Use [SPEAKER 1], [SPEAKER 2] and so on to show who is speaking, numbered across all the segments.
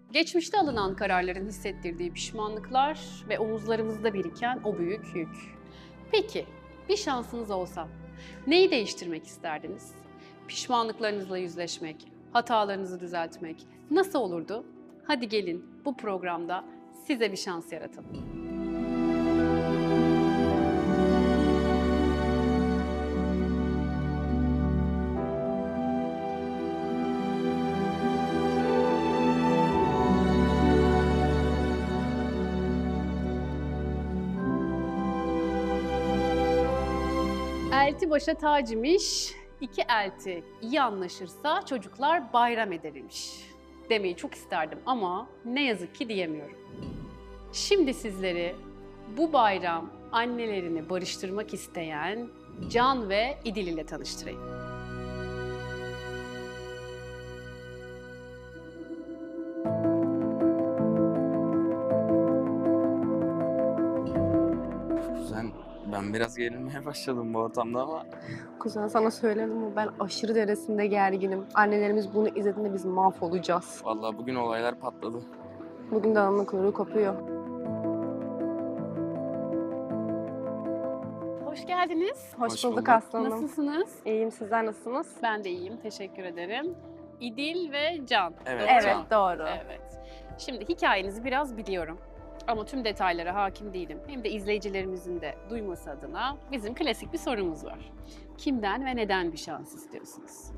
[SPEAKER 1] Geçmişte alınan kararların hissettirdiği pişmanlıklar ve omuzlarımızda biriken o büyük yük. Peki, bir şansınız olsa neyi değiştirmek isterdiniz? Pişmanlıklarınızla yüzleşmek, hatalarınızı düzeltmek nasıl olurdu? Hadi gelin bu programda size bir şans yaratalım. Elti başa tac imiş, iki elti iyi anlaşırsa çocuklar bayram edermiş demeyi çok isterdim ama ne yazık ki diyemiyorum. Şimdi sizleri bu bayram annelerini barıştırmak isteyen Can ve İdil ile tanıştırayım.
[SPEAKER 2] Kuzen, ben biraz gerilmeye başladım bu ortamda ama
[SPEAKER 3] Kuzen sana söyledim mi? Ben aşırı derecesinde gerginim. Annelerimiz bunu izlediğinde biz mahvolacağız.
[SPEAKER 2] vallahi bugün olaylar patladı.
[SPEAKER 3] Bugün de ananın kuyruğu kopuyor.
[SPEAKER 1] Hoş geldiniz.
[SPEAKER 3] Hoş
[SPEAKER 2] Hoş
[SPEAKER 3] bulduk
[SPEAKER 2] bulduk.
[SPEAKER 3] aslanım.
[SPEAKER 1] Nasılsınız?
[SPEAKER 3] İyiyim, sizler nasılsınız?
[SPEAKER 1] Ben de iyiyim, teşekkür ederim. İdil ve Can.
[SPEAKER 2] Evet,
[SPEAKER 1] Doğru mu?
[SPEAKER 3] Evet, doğru.
[SPEAKER 1] Evet. Şimdi hikayenizi biraz biliyorum. Ama tüm detaylara hakim değilim. Hem de izleyicilerimizin de duyması adına bizim klasik bir sorumuz var. Kimden ve neden bir şans istiyorsunuz?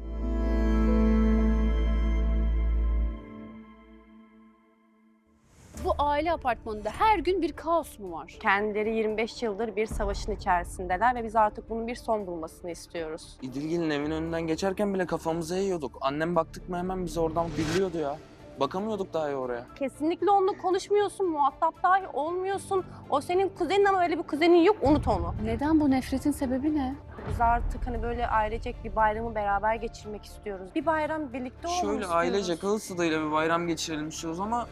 [SPEAKER 1] Bu aile apartmanında her gün bir kaos mu var?
[SPEAKER 3] Kendileri 25 yıldır bir savaşın içerisindeler ve biz artık bunun bir son bulmasını istiyoruz.
[SPEAKER 2] İdilgil'in evin önünden geçerken bile kafamıza yiyorduk. Annem baktık mı hemen bizi oradan biliyordu ya. Bakamıyorduk daha iyi oraya.
[SPEAKER 3] Kesinlikle onunla konuşmuyorsun, muhatap dahi olmuyorsun. O senin kuzenin ama öyle bir kuzenin yok, unut onu.
[SPEAKER 1] Neden bu nefretin sebebi ne?
[SPEAKER 3] Biz artık hani böyle ailecek bir bayramı beraber geçirmek istiyoruz. Bir bayram birlikte olmak
[SPEAKER 2] Şöyle
[SPEAKER 3] istiyoruz.
[SPEAKER 2] ailece kağıt tadıyla bir bayram geçirelim istiyoruz ama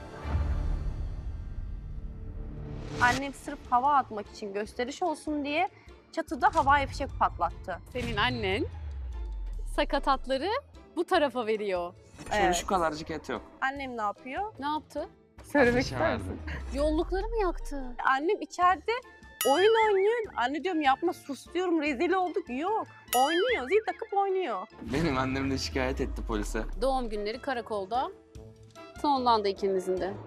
[SPEAKER 3] Annem sırf hava atmak için gösteriş olsun diye çatıda havai fişek patlattı.
[SPEAKER 1] Senin annen sakatatları bu tarafa veriyor.
[SPEAKER 2] şöyle
[SPEAKER 3] Evet.
[SPEAKER 2] şu kadarcık et yok.
[SPEAKER 3] Annem ne yapıyor?
[SPEAKER 1] Ne yaptı?
[SPEAKER 3] Söylemek
[SPEAKER 2] Ateşe
[SPEAKER 3] ister
[SPEAKER 2] verdi.
[SPEAKER 3] misin?
[SPEAKER 1] Yollukları mı yaktı?
[SPEAKER 3] Annem içeride oyun oynuyor. Anne diyorum yapma, sus diyorum, rezil olduk. Yok. Oynuyor, zil takıp oynuyor.
[SPEAKER 2] Benim annem de şikayet etti polise.
[SPEAKER 1] Doğum günleri karakolda sonlandı ikinizin de.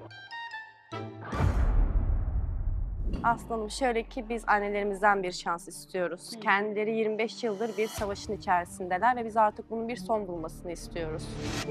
[SPEAKER 3] Aslanım şöyle ki biz annelerimizden bir şans istiyoruz.
[SPEAKER 1] Hı.
[SPEAKER 3] Kendileri 25 yıldır bir savaşın içerisindeler ve biz artık bunun bir son bulmasını istiyoruz.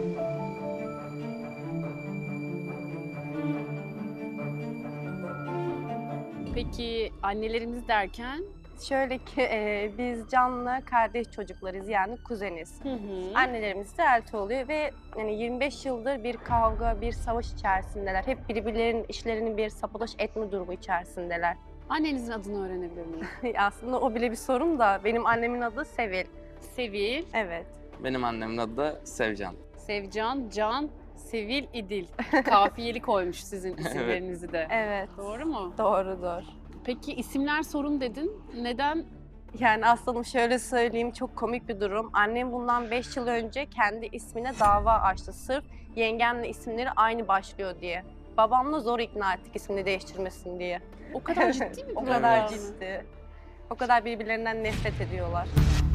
[SPEAKER 1] Peki annelerimiz derken?
[SPEAKER 3] Şöyle ki biz Can'la kardeş çocuklarız, yani kuzeniz.
[SPEAKER 1] Hı hı.
[SPEAKER 3] Annelerimiz de elti oluyor ve yani 25 yıldır bir kavga, bir savaş içerisindeler. Hep birbirlerinin işlerini bir sapalaş etme durumu içerisindeler.
[SPEAKER 1] Annenizin adını öğrenebilir miyim?
[SPEAKER 3] Aslında o bile bir sorun da benim annemin adı Sevil.
[SPEAKER 1] Sevil,
[SPEAKER 3] Evet.
[SPEAKER 2] Benim annemin adı da Sevcan.
[SPEAKER 1] Sevcan, Can, Sevil, İdil. Kafiyeli koymuş sizin isimlerinizi de.
[SPEAKER 3] Evet.
[SPEAKER 1] Doğru mu?
[SPEAKER 3] Doğrudur.
[SPEAKER 1] Peki isimler sorun dedin. Neden?
[SPEAKER 3] Yani aslanım şöyle söyleyeyim, çok komik bir durum. Annem bundan 5 yıl önce kendi ismine dava açtı. Sırf yengemle isimleri aynı başlıyor diye. Babamla zor ikna ettik ismini değiştirmesin diye.
[SPEAKER 1] O kadar ciddi mi?
[SPEAKER 3] O
[SPEAKER 1] bu
[SPEAKER 3] kadar
[SPEAKER 1] ya?
[SPEAKER 3] ciddi. O kadar birbirlerinden nefret ediyorlar.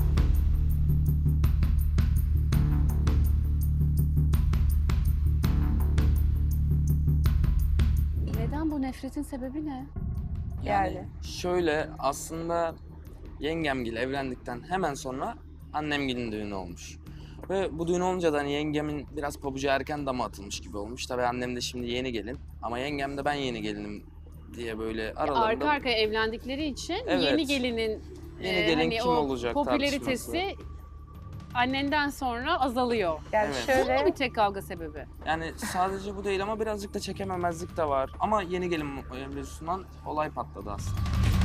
[SPEAKER 1] Neden bu nefretin sebebi ne?
[SPEAKER 3] Yani.
[SPEAKER 2] Şöyle aslında yengemgil evlendikten hemen sonra annemgilin düğünü olmuş. Ve bu düğün olunca da hani yengemin biraz pabucu erken dama atılmış gibi olmuş. Tabii annem de şimdi yeni gelin ama yengem de ben yeni gelinim diye böyle aralarında
[SPEAKER 1] Arka arkaya evlendikleri için
[SPEAKER 2] Evet.
[SPEAKER 1] yeni gelinin
[SPEAKER 2] Yeni gelin
[SPEAKER 1] hani
[SPEAKER 2] kim
[SPEAKER 1] o
[SPEAKER 2] olacak
[SPEAKER 1] popülaritesi
[SPEAKER 2] tartışması.
[SPEAKER 1] annenden sonra azalıyor.
[SPEAKER 3] Yani
[SPEAKER 2] Evet.
[SPEAKER 1] Bu mu
[SPEAKER 3] şöyle
[SPEAKER 1] bir tek kavga sebebi?
[SPEAKER 2] Yani sadece bu değil ama birazcık da çekememezlik de var. Ama yeni gelin mevzusundan olay patladı aslında.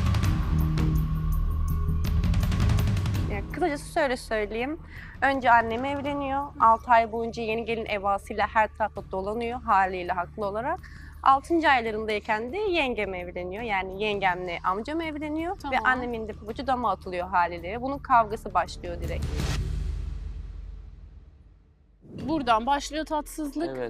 [SPEAKER 3] yani kısacası şöyle söyleyeyim. Önce annem evleniyor. 6 ay boyunca yeni gelin evasıyla her tarafta dolanıyor, haliyle haklı olarak. 6. aylarındayken de yengem evleniyor. Yani yengemle amcam evleniyor.
[SPEAKER 1] Tamam.
[SPEAKER 3] Ve annemin de pabucu dama atılıyor haliyle. Bunun kavgası başlıyor direkt.
[SPEAKER 1] Buradan başlıyor tatsızlık.
[SPEAKER 2] Evet.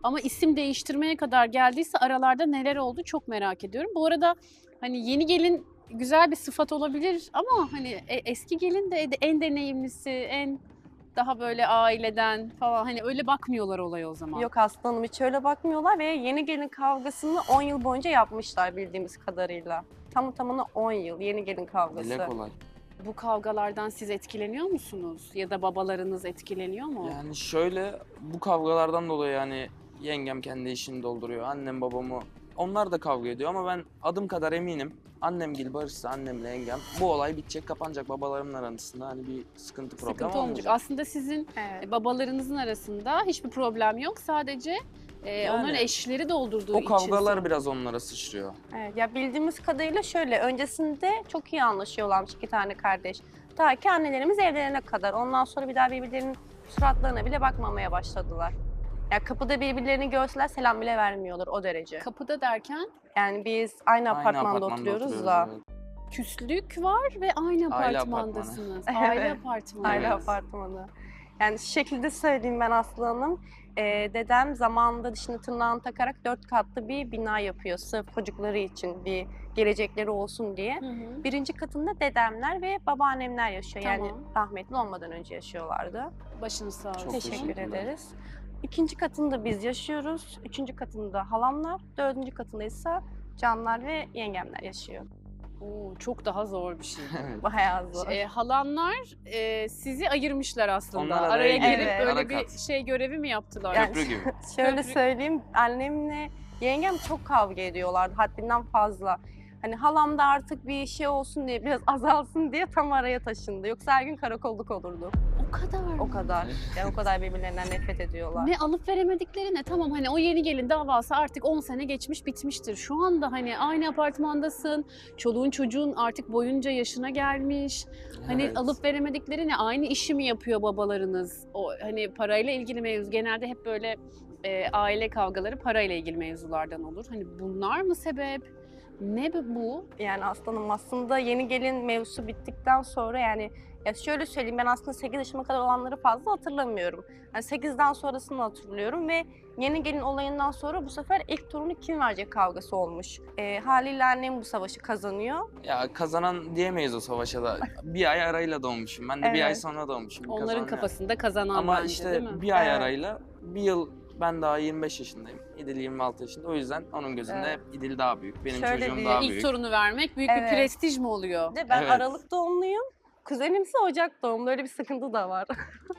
[SPEAKER 1] Ama isim değiştirmeye kadar geldiyse aralarda neler oldu çok merak ediyorum. Bu arada hani yeni gelin güzel bir sıfat olabilir ama hani eski gelin de en deneyimlisi, en daha böyle aileden falan hani öyle bakmıyorlar olaya o zaman.
[SPEAKER 3] Yok aslanım, hiç öyle bakmıyorlar ve yeni gelin kavgasını 10 yıl boyunca yapmışlar bildiğimiz kadarıyla. Tamına 10 yıl yeni gelin kavgası.
[SPEAKER 2] Dile kolay.
[SPEAKER 1] Bu kavgalardan siz etkileniyor musunuz? Ya da babalarınız etkileniyor mu?
[SPEAKER 2] Yani şöyle, bu kavgalardan dolayı yani yengem kendi işini dolduruyor. Annem babamı, onlar da kavga ediyor ama ben adım kadar eminim. Annemgil barışsa, annemle yengem, bu olay bitecek, kapanacak. Babalarımın arasında hani bir sıkıntı problem
[SPEAKER 1] Sıkıntı olmayacak.
[SPEAKER 2] olmayacak.
[SPEAKER 1] Aslında sizin
[SPEAKER 3] Evet.
[SPEAKER 1] babalarınızın arasında hiçbir problem yok. Sadece onların eşleri doldurduğu
[SPEAKER 2] O
[SPEAKER 1] için.
[SPEAKER 2] kavgalar biraz onlara sıçrıyor.
[SPEAKER 3] Evet, ya bildiğimiz kadarıyla şöyle, öncesinde çok iyi anlaşıyorlarmış iki tane kardeş. Ta ki annelerimiz evlenene kadar. Ondan sonra bir daha birbirlerinin suratlarına bile bakmamaya başladılar. Ya kapıda birbirlerini görseler selam bile vermiyorlar, o derece.
[SPEAKER 1] Kapıda derken
[SPEAKER 3] Yani biz aynı apartmanda oturuyoruz da.
[SPEAKER 2] evet.
[SPEAKER 1] küslük var ve aynı
[SPEAKER 2] Aile
[SPEAKER 1] apartmandasınız.
[SPEAKER 3] apartmanı.
[SPEAKER 1] Aile
[SPEAKER 3] Evet.
[SPEAKER 1] apartmanı.
[SPEAKER 3] Aile
[SPEAKER 2] Evet.
[SPEAKER 3] apartmanı. Yani şu şekilde söyleyeyim ben Aslı Hanım. Dedem zamanında dişini tırnağını takarak 4 katlı bir bina yapıyor. Sırf çocukları için, bir gelecekleri olsun diye.
[SPEAKER 1] Hı hı.
[SPEAKER 3] Birinci katında dedemler ve babaannemler yaşıyor. Yani
[SPEAKER 1] Tamam.
[SPEAKER 3] rahmetli olmadan önce yaşıyorlardı.
[SPEAKER 1] Başınız sağ olsun.
[SPEAKER 2] Çok
[SPEAKER 3] Teşekkür
[SPEAKER 2] teşekkürler.
[SPEAKER 3] ederiz. İkinci katında biz yaşıyoruz. Üçüncü katında halamlar. Dördüncü katında ise canlar ve yengemler yaşıyor.
[SPEAKER 1] Oo, çok daha zor bir şey.
[SPEAKER 2] Evet.
[SPEAKER 3] Bayağı zor.
[SPEAKER 1] Halanlar sizi ayırmışlar aslında.
[SPEAKER 2] Onlar araya
[SPEAKER 1] araya
[SPEAKER 3] girip
[SPEAKER 1] girip
[SPEAKER 3] Evet.
[SPEAKER 1] böyle
[SPEAKER 2] ara
[SPEAKER 1] bir
[SPEAKER 2] kat.
[SPEAKER 1] şey görevi mi yaptılar?
[SPEAKER 3] Yani-
[SPEAKER 2] Köprü gibi.
[SPEAKER 3] Şöyle
[SPEAKER 1] Köprü-
[SPEAKER 3] söyleyeyim, annemle yengem çok kavga ediyorlardı haddinden fazla. Hani halam da artık bir şey olsun diye, biraz azalsın diye tam araya taşındı. Yoksa her gün karakolluk olurdu.
[SPEAKER 1] O kadar.
[SPEAKER 3] O kadar. Yani o kadar birbirlerinden nefret ediyorlar.
[SPEAKER 1] Ne alıp veremedikleri ne? Tamam hani o yeni gelin davası artık 10 sene geçmiş bitmiştir. Şu anda hani aynı apartmandasın. Çoluğun çocuğun artık boyunca yaşına gelmiş. Hani
[SPEAKER 2] Evet.
[SPEAKER 1] alıp veremedikleri ne? Aynı işi mi yapıyor babalarınız? O hani parayla ilgili mevzu. Genelde hep böyle aile kavgaları parayla ilgili mevzulardan olur. Hani bunlar mı sebep? Ne bu?
[SPEAKER 3] Yani aslanım, aslında yeni gelin mevzusu bittikten sonra, yani ya şöyle söyleyeyim, ben aslında 8 yaşıma kadar olanları fazla hatırlamıyorum. Yani 8'den sonrasını hatırlıyorum ve yeni gelin olayından sonra bu sefer ilk torunu kim verecek kavgası olmuş. Haliyle annem bu savaşı kazanıyor.
[SPEAKER 2] Ya kazanan diyemeyiz o savaşa da. Bir ay arayla doğmuşum. Ben de bir ay
[SPEAKER 3] Evet.
[SPEAKER 2] sonra doğmuşum. Bir
[SPEAKER 1] Onların
[SPEAKER 2] kazanan yok.
[SPEAKER 1] kafasında kazanan
[SPEAKER 2] Ama
[SPEAKER 1] bence
[SPEAKER 2] işte
[SPEAKER 1] değil mi?
[SPEAKER 2] bir ay
[SPEAKER 3] Evet.
[SPEAKER 2] arayla bir yıl, ben daha 25 yaşındayım. İdil 26 yaşında. O yüzden onun gözünde
[SPEAKER 3] Evet.
[SPEAKER 2] hep İdil daha büyük. Benim
[SPEAKER 3] Şöyle
[SPEAKER 2] çocuğum
[SPEAKER 3] bir
[SPEAKER 2] daha
[SPEAKER 1] İlk
[SPEAKER 2] büyük.
[SPEAKER 1] torunu vermek büyük
[SPEAKER 3] Evet.
[SPEAKER 1] bir prestij mi oluyor?
[SPEAKER 3] Bir de ben
[SPEAKER 2] Evet.
[SPEAKER 3] Aralık doğumluyum. Kuzenimse Ocak doğumlu. Öyle bir sıkıntı da var.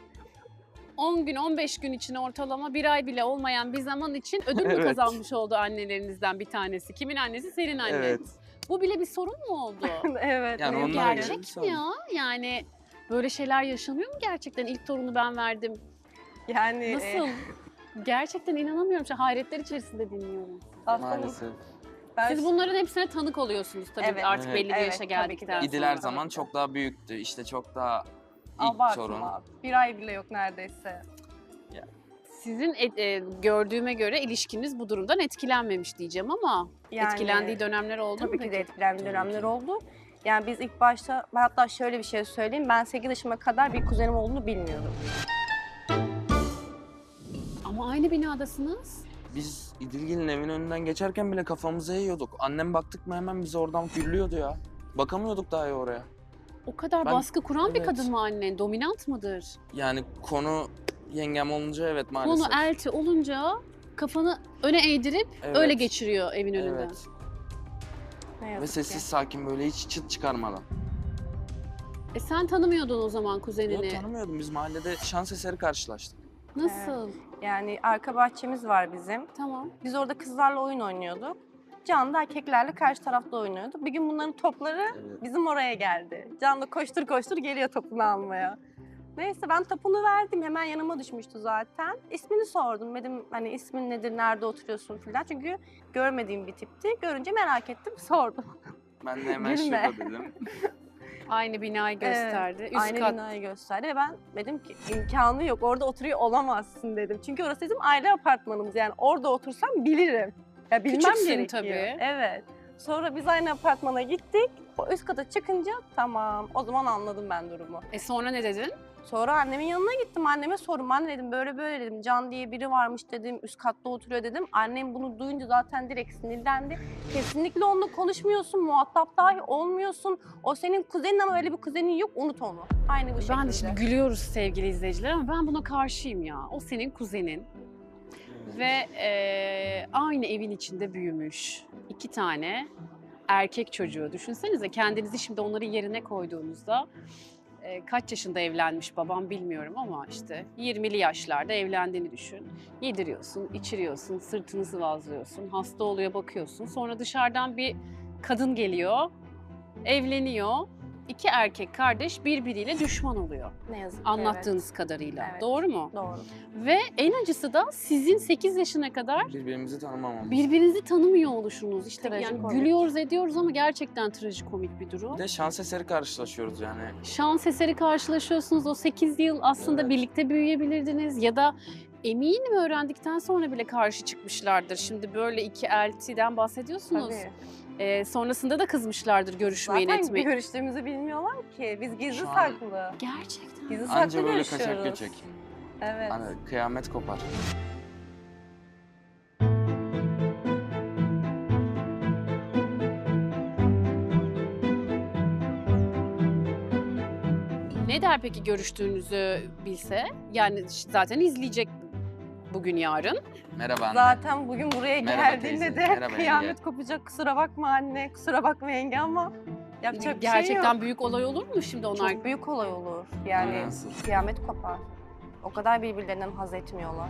[SPEAKER 1] 10 gün, 15 gün için ortalama bir ay bile olmayan bir zaman için ödül mü
[SPEAKER 2] Evet.
[SPEAKER 1] kazanmış oldu annelerinizden bir tanesi? Kimin annesi? Senin annen.
[SPEAKER 2] Evet.
[SPEAKER 1] Bu bile bir sorun mu oldu?
[SPEAKER 3] Evet.
[SPEAKER 2] Yani
[SPEAKER 3] benim
[SPEAKER 2] onlar
[SPEAKER 3] de
[SPEAKER 1] Gerçek
[SPEAKER 3] öyle.
[SPEAKER 2] bir
[SPEAKER 1] mi ya? Yani böyle şeyler yaşanıyor mu gerçekten? İlk torunu ben verdim.
[SPEAKER 3] Yani
[SPEAKER 1] Nasıl? Gerçekten inanamıyorum. Şu hayretler içerisinde dinliyorum.
[SPEAKER 3] aslında
[SPEAKER 2] Maalesef.
[SPEAKER 3] ben
[SPEAKER 1] Siz bunların hepsine tanık oluyorsunuz tabii
[SPEAKER 3] Evet.
[SPEAKER 1] artık
[SPEAKER 2] Evet.
[SPEAKER 1] belli bir
[SPEAKER 3] Evet,
[SPEAKER 1] yaşa
[SPEAKER 3] tabii ki de.
[SPEAKER 1] geldikten sonra.
[SPEAKER 2] İdil her
[SPEAKER 3] sonra.
[SPEAKER 2] zaman çok daha büyüktü. İşte çok daha ilk sorun.
[SPEAKER 3] abartma. Bir ay bile yok neredeyse.
[SPEAKER 1] Sizin gördüğüme göre ilişkiniz bu durumdan etkilenmemiş diyeceğim ama
[SPEAKER 3] Yani,
[SPEAKER 1] etkilendiği dönemler oldu mu
[SPEAKER 3] Tabii ki de
[SPEAKER 1] peki?
[SPEAKER 3] etkilendiği
[SPEAKER 2] Tabii
[SPEAKER 3] dönemler
[SPEAKER 2] ki.
[SPEAKER 3] oldu. Yani biz ilk başta, ben hatta şöyle bir şey söyleyeyim. Ben 8 yaşıma kadar bir kuzenim olduğunu bilmiyordum.
[SPEAKER 1] Ama aynı binadasınız.
[SPEAKER 2] Biz İdilgil'in evinin önünden geçerken bile kafamıza yiyorduk. Annem baktık mı hemen bizi oradan gürlüyordu ya. Bakamıyorduk daha iyi oraya.
[SPEAKER 1] O kadar
[SPEAKER 2] Ben-
[SPEAKER 1] baskı kuran bir
[SPEAKER 2] evet.
[SPEAKER 1] kadın mı annen? Dominant mıdır?
[SPEAKER 2] Yani konu yengem olunca evet maalesef.
[SPEAKER 1] Konu elti olunca kafanı öne eğdirip
[SPEAKER 2] Evet.
[SPEAKER 1] öyle geçiriyor evin önünden.
[SPEAKER 2] Evet.
[SPEAKER 3] Ne
[SPEAKER 2] Ve
[SPEAKER 3] yazık
[SPEAKER 2] sessiz
[SPEAKER 3] ki.
[SPEAKER 2] sakin böyle hiç çıt çıkarmadan.
[SPEAKER 1] Sen tanımıyordun o zaman
[SPEAKER 2] Yok
[SPEAKER 1] kuzenini.
[SPEAKER 2] tanımıyordum. Biz mahallede şans eseri karşılaştık.
[SPEAKER 1] Nasıl?
[SPEAKER 3] Yani arka bahçemiz var bizim.
[SPEAKER 1] Tamam.
[SPEAKER 3] Biz orada kızlarla oyun oynuyorduk. Can da erkeklerle karşı tarafta oynuyordu. Bir gün bunların topları
[SPEAKER 2] Evet.
[SPEAKER 3] bizim oraya geldi. Can da koştur koştur geliyor topunu almaya. Neyse ben topunu verdim. Hemen yanıma düşmüştü zaten. İsmini sordum. Dedim hani ismin nedir, nerede oturuyorsun falan. Çünkü görmediğim bir tipti. Görünce merak ettim, sordum.
[SPEAKER 2] Ben de hemen
[SPEAKER 3] Gülme.
[SPEAKER 2] şurada dedim.
[SPEAKER 1] Aynı binayı gösterdi. Üst
[SPEAKER 3] Aynı
[SPEAKER 1] kat.
[SPEAKER 3] binayı gösterdi ve ben dedim ki imkanı yok, orada oturuyor olamazsın dedim. Çünkü orası bizim aile apartmanımız, yani orada otursam bilirim. Ya bilmem
[SPEAKER 1] Küçüksün
[SPEAKER 3] gerekiyor.
[SPEAKER 1] tabii.
[SPEAKER 3] Evet. Sonra biz aynı apartmana gittik. O üst kata çıkınca tamam, o zaman anladım ben durumu.
[SPEAKER 1] Sonra ne dedin?
[SPEAKER 3] Sonra annemin yanına gittim. Anneme sordum. Anne dedim böyle böyle dedim. Can diye biri varmış dedim. Üst katta oturuyor dedim. Annem bunu duyunca zaten direkt sinirlendi. Kesinlikle onunla konuşmuyorsun. Muhatap dahi olmuyorsun. O senin kuzenin ama öyle bir kuzenin yok. Unut onu. Aynı bu şekilde.
[SPEAKER 1] Ben de şimdi gülüyoruz sevgili izleyiciler ama ben buna karşıyım ya. O senin kuzenin ve aynı evin içinde büyümüş 2 tane erkek çocuğu. Düşünsenize kendinizi şimdi onların yerine koyduğunuzda kaç yaşında evlenmiş babam bilmiyorum ama işte 20'li yaşlarda evlendiğini düşün. Yediriyorsun, içiriyorsun, sırtını sıvazlıyorsun, hasta oluyor bakıyorsun. Sonra dışarıdan bir kadın geliyor, evleniyor. 2 erkek kardeş birbiriyle düşman oluyor.
[SPEAKER 3] Ne yazık ki
[SPEAKER 1] Anlattığınız kadarıyla.
[SPEAKER 3] Evet.
[SPEAKER 1] Doğru mu?
[SPEAKER 3] evet. Doğru.
[SPEAKER 1] Ve en acısı da sizin 8 yaşına kadar
[SPEAKER 2] Birbirimizi tanımamamız.
[SPEAKER 1] birbirinizi tanımıyor oluşunuz. İşte yani
[SPEAKER 3] Trajikomik.
[SPEAKER 1] gülüyoruz ediyoruz ama gerçekten trajikomik bir durum.
[SPEAKER 2] Bir de şans eseri karşılaşıyoruz yani.
[SPEAKER 1] Şans eseri karşılaşıyorsunuz. O 8 yıl aslında
[SPEAKER 2] Evet.
[SPEAKER 1] birlikte büyüyebilirdiniz ya da eminim öğrendikten sonra bile karşı çıkmışlardır. Şimdi böyle 2 eltiden bahsediyorsunuz.
[SPEAKER 3] Tabii.
[SPEAKER 1] Sonrasında da kızmışlardır görüşmeyin
[SPEAKER 3] Zaten bir
[SPEAKER 1] etmeyin.
[SPEAKER 3] görüştüğümüzü bilmiyorlar ki. Biz gizli
[SPEAKER 2] Şu an-
[SPEAKER 3] saklı.
[SPEAKER 1] Gerçekten.
[SPEAKER 3] Gizli saklı
[SPEAKER 2] Anca böyle
[SPEAKER 3] görüşüyoruz.
[SPEAKER 2] kaçak göçek.
[SPEAKER 3] Evet.
[SPEAKER 2] Hani kıyamet kopar.
[SPEAKER 1] Ne der peki görüştüğünüzü bilse? Yani zaten izleyecek bugün yarın.
[SPEAKER 2] Merhaba anne.
[SPEAKER 3] Zaten bugün buraya
[SPEAKER 2] Merhaba
[SPEAKER 3] geldiğinde
[SPEAKER 2] teyze,
[SPEAKER 3] de
[SPEAKER 2] merhaba
[SPEAKER 3] kıyamet
[SPEAKER 2] yenge.
[SPEAKER 3] kopacak. Kusura bakma anne, kusura bakma yenge ama yapacak bir şey
[SPEAKER 1] Gerçekten
[SPEAKER 3] yok.
[SPEAKER 1] büyük olay olur mu şimdi onlar?
[SPEAKER 3] Çok büyük olay olur. Yani
[SPEAKER 2] Nasıl?
[SPEAKER 3] kıyamet kopar. O kadar birbirlerinden haz etmiyorlar.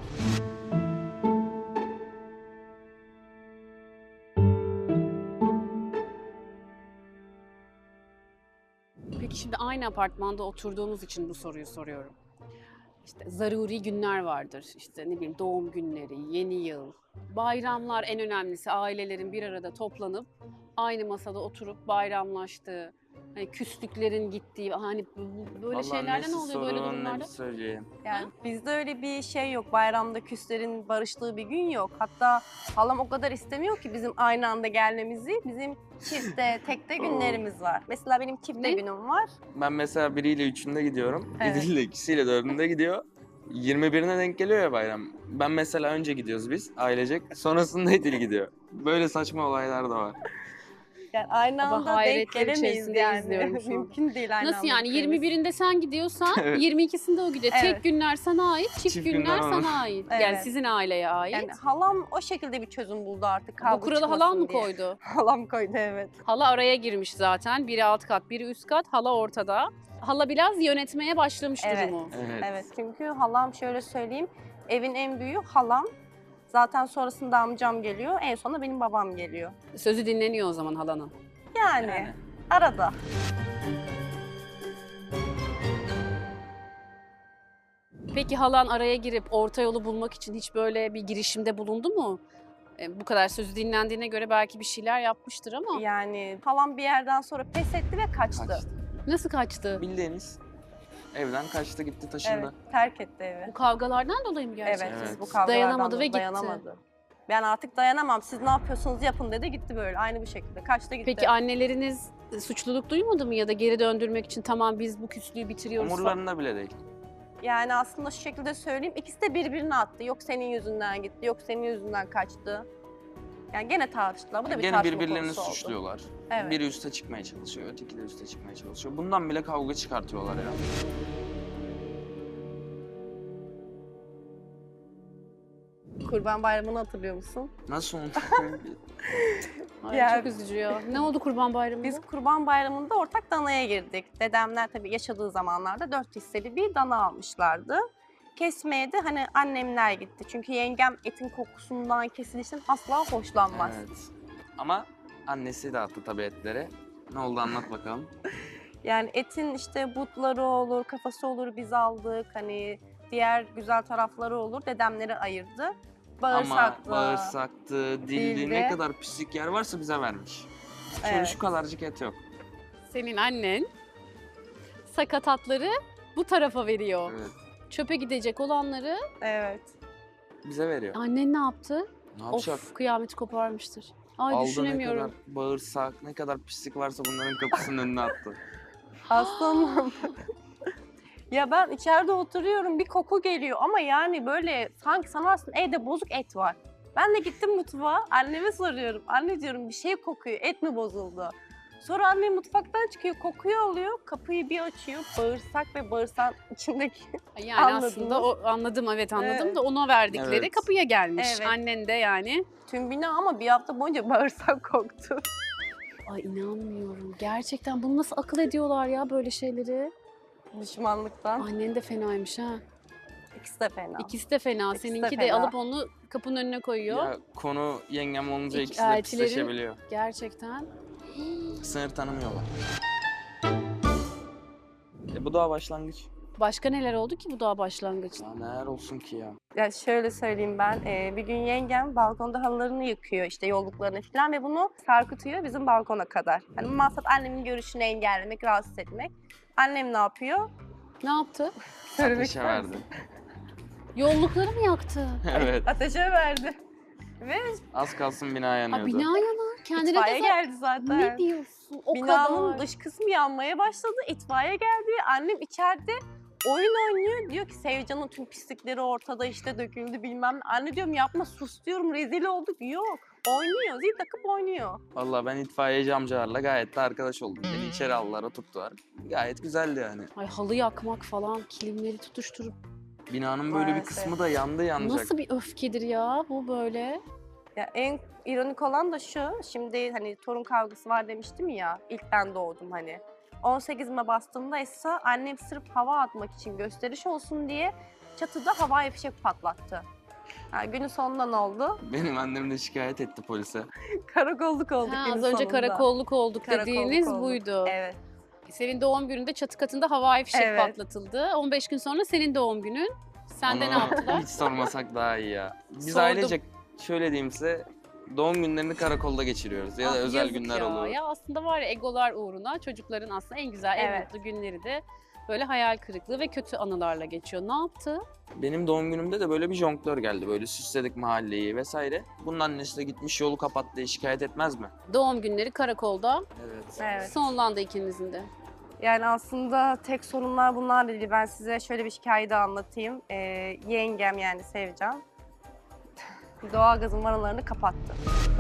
[SPEAKER 1] Peki şimdi aynı apartmanda oturduğumuz için bu soruyu soruyorum. İşte zaruri günler vardır. İşte ne bileyim doğum günleri, yeni yıl, bayramlar en önemlisi ailelerin bir arada toplanıp aynı masada oturup bayramlaştığı, hani küslüklerin gittiği, hani böyle
[SPEAKER 2] Vallahi
[SPEAKER 1] şeylerden
[SPEAKER 2] nesi
[SPEAKER 1] ne oluyor böyle
[SPEAKER 2] sorun, ne
[SPEAKER 1] durumlarda?
[SPEAKER 2] bir söyleyeyim.
[SPEAKER 3] Yani bizde öyle bir şey yok. Bayramda küslerin barıştığı bir gün yok. Hatta halam o kadar istemiyor ki bizim aynı anda gelmemizi. Bizim çifte, tekte günlerimiz var. Mesela benim çifte
[SPEAKER 1] Ne?
[SPEAKER 3] günüm var.
[SPEAKER 2] Ben mesela biriyle üçünde gidiyorum.
[SPEAKER 3] Evet.
[SPEAKER 2] Biriyle ikisiyle dördünde gidiyor. 21'ine denk geliyor ya bayram. Ben mesela önce gidiyoruz biz ailecek. Sonrasında İdil gidiyor. Böyle saçma olaylar da var.
[SPEAKER 3] Yani aynı
[SPEAKER 1] Ama
[SPEAKER 3] anda denk
[SPEAKER 1] hayretler
[SPEAKER 3] gelemeyiz
[SPEAKER 1] içerisinde
[SPEAKER 3] yani.
[SPEAKER 1] izliyorum şu an.
[SPEAKER 3] Mümkün değil aynı
[SPEAKER 1] Nasıl
[SPEAKER 3] anda
[SPEAKER 1] yani
[SPEAKER 3] gitmemiz.
[SPEAKER 1] 21'inde sen gidiyorsan
[SPEAKER 2] Evet.
[SPEAKER 1] 22'sinde o gidiyor.
[SPEAKER 3] Evet.
[SPEAKER 1] Tek günler sana ait, çift
[SPEAKER 2] Çift
[SPEAKER 1] günler
[SPEAKER 2] günler ona.
[SPEAKER 1] sana ait. Yani
[SPEAKER 3] Evet.
[SPEAKER 1] sizin aileye ait.
[SPEAKER 3] Yani halam o şekilde bir çözüm buldu artık.
[SPEAKER 1] Bu
[SPEAKER 3] kavga
[SPEAKER 1] kuralı
[SPEAKER 3] çıkmasın
[SPEAKER 1] halan mı
[SPEAKER 3] diye.
[SPEAKER 1] koydu?
[SPEAKER 3] Halam koydu evet.
[SPEAKER 1] Hala araya girmiş zaten. Biri alt kat, biri üst kat. Hala ortada. Hala biraz yönetmeye başlamış
[SPEAKER 3] Evet.
[SPEAKER 1] durumu.
[SPEAKER 2] Evet.
[SPEAKER 3] Evet çünkü halam şöyle söyleyeyim. Evin en büyüğü halam. Zaten sonrasında amcam geliyor. En sonunda benim babam geliyor.
[SPEAKER 1] Sözü dinleniyor o zaman halanın.
[SPEAKER 3] Yani arada.
[SPEAKER 1] Peki halan araya girip orta yolu bulmak için hiç böyle bir girişimde bulundu mu? Bu kadar sözü dinlendiğine göre belki bir şeyler yapmıştır ama
[SPEAKER 3] Yani halam bir yerden sonra pes etti ve kaçtı.
[SPEAKER 2] Kaçtı.
[SPEAKER 1] nasıl kaçtı?
[SPEAKER 2] Bildiğiniz evden kaçtı gitti taşındı.
[SPEAKER 3] Evet, terk etti evi.
[SPEAKER 1] Bu kavgalardan dolayı mı gerçekten?
[SPEAKER 3] Evet,
[SPEAKER 2] Evet.
[SPEAKER 3] bu kavgalardan
[SPEAKER 1] Dayanamadı ve
[SPEAKER 3] dolayı
[SPEAKER 1] gitti.
[SPEAKER 3] dayanamadı. Ben artık dayanamam. Siz ne yapıyorsunuz yapın dedi gitti böyle. Aynı bu şekilde. Kaçtı gitti.
[SPEAKER 1] Peki anneleriniz suçluluk duymadı mı ya da geri döndürmek için tamam biz bu küslüğü bitiriyoruz falan?
[SPEAKER 2] Umurlarında bile değil.
[SPEAKER 3] Yani aslında şu şekilde söyleyeyim. İkisi de birbirine attı. Yok senin yüzünden gitti, yok senin yüzünden kaçtı. Yani gene tartıştılar. Bu da bir
[SPEAKER 2] Gene
[SPEAKER 3] tartışma
[SPEAKER 2] birbirlerini
[SPEAKER 3] konusu oldu.
[SPEAKER 2] suçluyorlar.
[SPEAKER 3] Evet.
[SPEAKER 2] Biri üste çıkmaya çalışıyor, öteki de üste çıkmaya çalışıyor. Bundan bile kavga çıkartıyorlar ya.
[SPEAKER 3] Kurban Bayramı'nı hatırlıyor musun?
[SPEAKER 2] Nasıl unuturum?
[SPEAKER 1] Ay,
[SPEAKER 3] Ya-
[SPEAKER 1] çok üzücü ya. Ne oldu Kurban Bayramı'nda?
[SPEAKER 3] Biz Kurban Bayramı'nda ortak danaya girdik. Dedemler tabii yaşadığı zamanlarda 4 hisseli bir dana almışlardı. Kesmeye de hani annemler gitti. Çünkü yengem etin kokusundan, kesilişten asla hoşlanmaz.
[SPEAKER 2] Evet. Ama annesi de attı tabii etleri. Ne oldu anlat bakalım.
[SPEAKER 3] Yani etin işte butları olur, kafası olur biz aldık. Hani diğer güzel tarafları olur. Dedemleri ayırdı. Bağırsaklı.
[SPEAKER 2] Ama bağırsaktı, dildi,
[SPEAKER 3] dildi.
[SPEAKER 2] ne kadar pislik yer varsa bize vermiş. Şöyle
[SPEAKER 3] Evet.
[SPEAKER 2] şu kadarcık et yok.
[SPEAKER 1] Senin annen sakatatları bu tarafa veriyor.
[SPEAKER 2] Evet.
[SPEAKER 1] Çöpe gidecek olanları
[SPEAKER 3] Evet.
[SPEAKER 2] Bize veriyor.
[SPEAKER 1] annen ne yaptı?
[SPEAKER 2] Ne yapacak?
[SPEAKER 1] Of kıyameti koparmıştır. Ay
[SPEAKER 2] Aldı ne
[SPEAKER 1] düşünemiyorum.
[SPEAKER 2] kadar bağırsak, ne kadar pislik varsa bunların kapısının önüne attı.
[SPEAKER 3] Aslanım. Ya ben içeride oturuyorum, bir koku geliyor ama yani böyle sanki sanarsın evde bozuk et var. Ben de gittim mutfağa, anneme soruyorum. Anne diyorum bir şey kokuyor, et mi bozuldu? Sonra annem mutfaktan çıkıyor, kokuyu alıyor, kapıyı bir açıyor, bağırsak ve bağırsağın içindeki...
[SPEAKER 1] Yani
[SPEAKER 3] Anladınız.
[SPEAKER 1] aslında anladım, evet anladım
[SPEAKER 3] Evet.
[SPEAKER 1] da ona verdikleri
[SPEAKER 2] Evet.
[SPEAKER 1] kapıya gelmiş.
[SPEAKER 3] Evet.
[SPEAKER 1] Annen de yani.
[SPEAKER 3] Tüm bina ama bir hafta boyunca bağırsak koktu.
[SPEAKER 1] Ay inanmıyorum. Gerçekten bunu nasıl akıl ediyorlar ya böyle şeyleri?
[SPEAKER 3] Düşmanlıktan.
[SPEAKER 1] Annen de fenaymış ha.
[SPEAKER 3] İkisi de fena.
[SPEAKER 1] İkisi de fena.
[SPEAKER 3] İkisi de
[SPEAKER 1] Seninki de
[SPEAKER 3] fena.
[SPEAKER 1] alıp onu kapının önüne koyuyor.
[SPEAKER 2] Ya konu yengem olunca
[SPEAKER 1] İki
[SPEAKER 2] ikisi de
[SPEAKER 1] eltileri-
[SPEAKER 2] pisleşebiliyor.
[SPEAKER 1] Gerçekten.
[SPEAKER 2] Sınır tanımıyorlar. Bu daha başlangıç.
[SPEAKER 1] Başka neler oldu ki bu daha başlangıçta?
[SPEAKER 2] Ya neler olsun ki ya.
[SPEAKER 3] Ya şöyle söyleyeyim ben, bir gün yengem balkonda halılarını yıkıyor işte yolluklarını falan ve bunu sarkıtıyor bizim balkona kadar. Hani maksat annemin görüşünü engellemek, rahatsız etmek. Annem ne yapıyor?
[SPEAKER 1] Ne yaptı?
[SPEAKER 3] Söylemek
[SPEAKER 2] Ateşe
[SPEAKER 3] ister misin?
[SPEAKER 2] verdi.
[SPEAKER 1] Yollukları mı yaktı?
[SPEAKER 2] Evet.
[SPEAKER 3] Ateşe verdi. Ve
[SPEAKER 2] Az kalsın bina yanıyordu.
[SPEAKER 1] Aa, bina yanar. Kendine
[SPEAKER 3] itfaiye
[SPEAKER 1] de
[SPEAKER 3] geldi zaten.
[SPEAKER 1] Ne diyorsun? O
[SPEAKER 3] Binanın
[SPEAKER 1] kadar.
[SPEAKER 3] dış kısmı yanmaya başladı. İtfaiye geldi. Annem içeride oyun oynuyor. Diyor ki Sevcan'ın tüm pislikleri ortada işte döküldü bilmem ne. Anne diyorum yapma sus diyorum rezil olduk. Yok. Oynuyor. Zil takıp oynuyor.
[SPEAKER 2] Vallahi ben itfaiyeci amcalarla gayet de arkadaş oldum. Beni içeri aldılar, oturttular. Gayet güzeldi yani.
[SPEAKER 1] Ay halı yakmak falan, kilimleri tutuşturup.
[SPEAKER 2] Binanın böyle bir
[SPEAKER 3] Maalesef.
[SPEAKER 2] kısmı da yandı yanacak.
[SPEAKER 1] Nasıl bir öfkedir ya bu böyle?
[SPEAKER 3] Ya en ironik olan da şu. Şimdi hani torun kavgası var demiştim ya. İlk ben doğdum hani. 18'ime bastığımda ise annem sırf hava atmak için gösteriş olsun diye çatıda havai fişek patlattı. Yani günün sonunda ne oldu?
[SPEAKER 2] Benim annem de şikayet etti polise.
[SPEAKER 3] Karakolluk olduk
[SPEAKER 1] Ha,
[SPEAKER 3] günün
[SPEAKER 1] az önce
[SPEAKER 3] sonunda.
[SPEAKER 1] karakolluk olduk
[SPEAKER 3] Karakolluk
[SPEAKER 1] dediğiniz
[SPEAKER 3] olduk.
[SPEAKER 1] buydu.
[SPEAKER 3] Evet.
[SPEAKER 1] Senin doğum gününde çatı katında havai fişek
[SPEAKER 3] Evet.
[SPEAKER 1] patlatıldı. 15 gün sonra senin doğum günün. Sen de
[SPEAKER 2] Onu
[SPEAKER 1] ne yaptılar?
[SPEAKER 2] Hiç sormasak daha iyi ya. Biz
[SPEAKER 1] Sordum.
[SPEAKER 2] ailecek şöyle diyeyim size, doğum günlerini karakolda geçiriyoruz ya da
[SPEAKER 1] Ah,
[SPEAKER 2] özel
[SPEAKER 1] yazık
[SPEAKER 2] günler
[SPEAKER 1] ya.
[SPEAKER 2] olur.
[SPEAKER 1] Ya aslında var ya egolar uğruna çocukların aslında en güzel, en
[SPEAKER 3] Evet.
[SPEAKER 1] mutlu günleri de böyle hayal kırıklığı ve kötü anılarla geçiyor. Ne yaptı?
[SPEAKER 2] Benim doğum günümde de böyle bir jonglör geldi. Böyle süsledik mahalleyi vesaire. Bunun annesi de gitmiş yolu kapat diye şikayet etmez mi?
[SPEAKER 1] Doğum günleri karakolda
[SPEAKER 2] Evet.
[SPEAKER 3] Evet.
[SPEAKER 1] sonlandı ikinizin de.
[SPEAKER 3] Yani aslında tek sorunlar bunlar değil. Ben size şöyle bir hikaye de anlatayım. Yengem yani Sevcan doğalgazın vanalarını kapattı.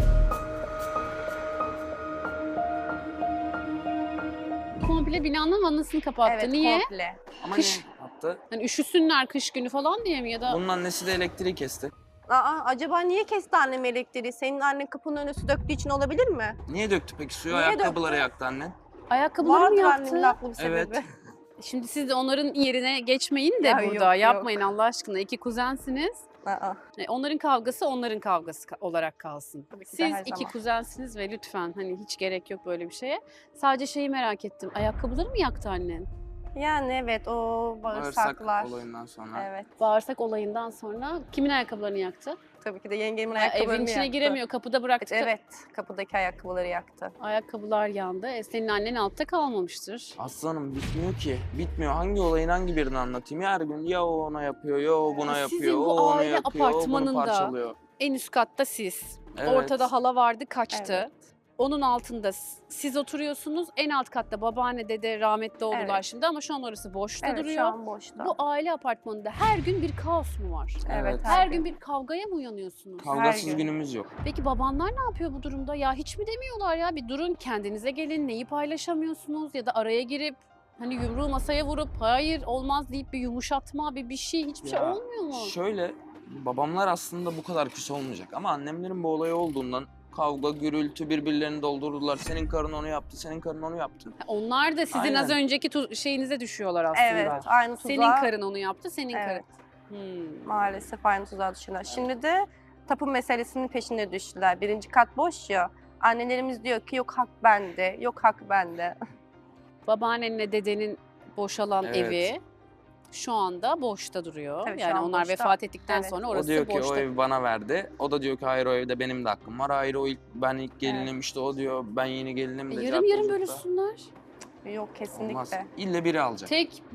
[SPEAKER 1] Komple binanın vanasını kapattı.
[SPEAKER 3] Evet,
[SPEAKER 1] Niye?
[SPEAKER 3] komple.
[SPEAKER 2] Ama
[SPEAKER 1] Kış-
[SPEAKER 2] ne yaptı?
[SPEAKER 1] Hani üşüsünler kış günü falan diye mi ya da
[SPEAKER 2] Bunun annesi de elektriği kesti.
[SPEAKER 3] Acaba niye kesti annem elektriği? Senin annen kapının önüne su döktüğü için olabilir mi?
[SPEAKER 2] Niye döktü peki suyu?
[SPEAKER 3] Niye
[SPEAKER 2] Ayakkabıları
[SPEAKER 3] döktü?
[SPEAKER 2] yaktı annen.
[SPEAKER 1] ayakkabıları mı
[SPEAKER 3] Vardır
[SPEAKER 1] yaktı?
[SPEAKER 3] annemin haklı bir sebebi.
[SPEAKER 2] Evet.
[SPEAKER 1] Şimdi siz de onların yerine geçmeyin de
[SPEAKER 3] Ya
[SPEAKER 1] burada.
[SPEAKER 3] yok,
[SPEAKER 1] Yapmayın
[SPEAKER 3] yok.
[SPEAKER 1] Allah aşkına. İki kuzensiniz.
[SPEAKER 3] Aa,
[SPEAKER 1] Onların kavgası onların kavgası olarak kalsın.
[SPEAKER 3] Tabii ki de
[SPEAKER 1] Siz
[SPEAKER 3] her
[SPEAKER 1] iki
[SPEAKER 3] zaman.
[SPEAKER 1] kuzensiniz ve lütfen hani hiç gerek yok böyle bir şeye. Sadece şeyi merak ettim. Ayakkabıları mı yaktı annen?
[SPEAKER 3] Yani evet o bağırsaklar.
[SPEAKER 2] Bağırsak olayından sonra.
[SPEAKER 3] Evet.
[SPEAKER 1] Bağırsak olayından sonra kimin ayakkabılarını yaktı?
[SPEAKER 3] Tabii ki de yengemin
[SPEAKER 1] Ya,
[SPEAKER 3] ayakkabılarını
[SPEAKER 1] evin içine
[SPEAKER 3] yaktı.
[SPEAKER 1] giremiyor. Kapıda bıraktı.
[SPEAKER 3] Evet, kapıdaki ayakkabıları yaktı.
[SPEAKER 1] Ayakkabılar yandı. Senin annen altta kalmamıştır.
[SPEAKER 2] Aslanım bitmiyor ki. Bitmiyor. Hangi olayın hangi birini anlatayım? Her gün ya o ona yapıyor, ya o buna
[SPEAKER 1] Sizin
[SPEAKER 2] yapıyor,
[SPEAKER 1] bu
[SPEAKER 2] o onu
[SPEAKER 1] aile
[SPEAKER 2] yapıyor, o bunu
[SPEAKER 1] apartmanında
[SPEAKER 2] parçalıyor.
[SPEAKER 1] En üst katta siz.
[SPEAKER 2] Evet.
[SPEAKER 1] Ortada hala vardı kaçtı.
[SPEAKER 3] Evet.
[SPEAKER 1] Onun altında siz oturuyorsunuz. En alt katta babaanne dede rahmetli oldular
[SPEAKER 3] Evet.
[SPEAKER 1] şimdi ama şu an orası boşta
[SPEAKER 3] Evet,
[SPEAKER 1] duruyor.
[SPEAKER 3] şu an boşta.
[SPEAKER 1] Bu aile apartmanında her gün bir kaos mu var?
[SPEAKER 3] Evet,
[SPEAKER 1] Her gün bir kavgaya mı uyanıyorsunuz?
[SPEAKER 2] Kavgasız
[SPEAKER 3] gün.
[SPEAKER 2] günümüz yok.
[SPEAKER 1] Peki babanlar ne yapıyor bu durumda? Ya hiç mi demiyorlar ya bir durun kendinize gelin neyi paylaşamıyorsunuz ya da araya girip hani yumruğu masaya vurup hayır olmaz deyip bir yumuşatma bir şey hiçbir şey
[SPEAKER 2] Ya,
[SPEAKER 1] olmuyor mu?
[SPEAKER 2] Şöyle, babamlar aslında bu kadar küs olmayacak ama annemlerin bu olayı olduğundan kavga, gürültü birbirlerini doldurdular. Senin karın onu yaptı, senin karın onu yaptı.
[SPEAKER 1] Onlar da sizin
[SPEAKER 2] Aynen.
[SPEAKER 1] az önceki şeyinize düşüyorlar aslında.
[SPEAKER 3] Evet, aynı tuzağa.
[SPEAKER 1] Senin karın onu yaptı, senin
[SPEAKER 3] Evet.
[SPEAKER 1] karın. Hmm.
[SPEAKER 3] Maalesef aynı tuzağa düşüyorlar. Şimdi de tapu meselesinin peşine düştüler. Birinci kat boş ya. Annelerimiz diyor ki yok hak bende, yok hak bende.
[SPEAKER 1] Babaannenle dedenin boşalan
[SPEAKER 2] Evet.
[SPEAKER 1] evi şu anda boşta duruyor.
[SPEAKER 3] Tabii şu
[SPEAKER 1] Yani
[SPEAKER 3] an
[SPEAKER 1] onlar
[SPEAKER 3] boşta.
[SPEAKER 1] vefat ettikten
[SPEAKER 3] Evet.
[SPEAKER 1] sonra
[SPEAKER 2] O
[SPEAKER 1] orası
[SPEAKER 2] diyor ki
[SPEAKER 1] boşta.
[SPEAKER 2] o evi bana verdi. O da diyor ki hayır o evde benim de hakkım var. Hayır ben ilk gelinim işte o diyor ben yeni gelinim de.
[SPEAKER 1] Yarım
[SPEAKER 2] cart
[SPEAKER 1] yarım
[SPEAKER 2] curt da.
[SPEAKER 1] bölüşsünler.
[SPEAKER 3] Yok kesinlikle.
[SPEAKER 2] Olmaz. İlle biri alacak.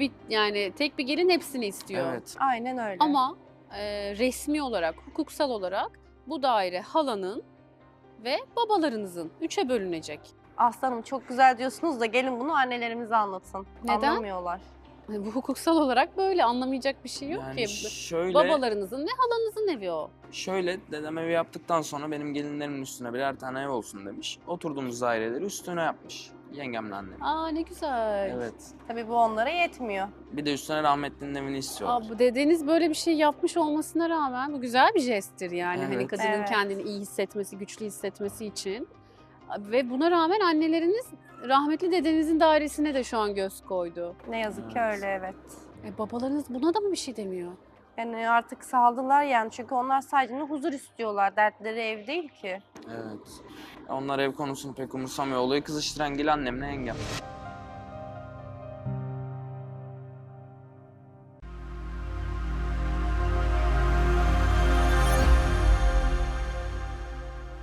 [SPEAKER 1] Tek bir gelin hepsini istiyor.
[SPEAKER 2] Evet.
[SPEAKER 3] Aynen öyle.
[SPEAKER 1] Ama resmi olarak, hukuksal olarak bu daire halanın ve babalarınızın 3'e bölünecek.
[SPEAKER 3] Aslanım çok güzel diyorsunuz da gelin bunu annelerimize anlatın.
[SPEAKER 1] Neden?
[SPEAKER 3] Anlamıyorlar.
[SPEAKER 1] Bu hukuksal olarak böyle anlamayacak bir şey yok
[SPEAKER 2] Yani
[SPEAKER 1] ki.
[SPEAKER 2] şöyle,
[SPEAKER 1] Babalarınızın ve halanızın evi o.
[SPEAKER 2] dedem evi yaptıktan sonra benim gelinlerimin üstüne birer tane ev olsun demiş. Oturduğumuz daireleri üstüne yapmış. Yengemle annem.
[SPEAKER 1] Aa ne güzel.
[SPEAKER 2] Evet.
[SPEAKER 3] Tabii bu onlara yetmiyor.
[SPEAKER 2] Bir de üstüne rahmetlinin evini istiyorlar.
[SPEAKER 1] Aa, bu dedeniz böyle bir şey yapmış olmasına rağmen bu güzel bir jesttir yani. Hani
[SPEAKER 2] Evet.
[SPEAKER 1] kadının
[SPEAKER 3] Evet.
[SPEAKER 1] kendini iyi hissetmesi, güçlü hissetmesi için. Ve buna rağmen anneleriniz rahmetli dedenizin dairesine de şu an göz koydu.
[SPEAKER 3] Ne yazık ki
[SPEAKER 2] Evet.
[SPEAKER 3] öyle, evet.
[SPEAKER 1] Babalarınız buna da mı bir şey demiyor?
[SPEAKER 3] Yani artık saldılar yani, çünkü onlar sadece huzur istiyorlar. Dertleri ev değil ki.
[SPEAKER 2] Evet. Onlar ev konusunu pek umursamıyor. Olayı kızıştıran gel annemle yengem.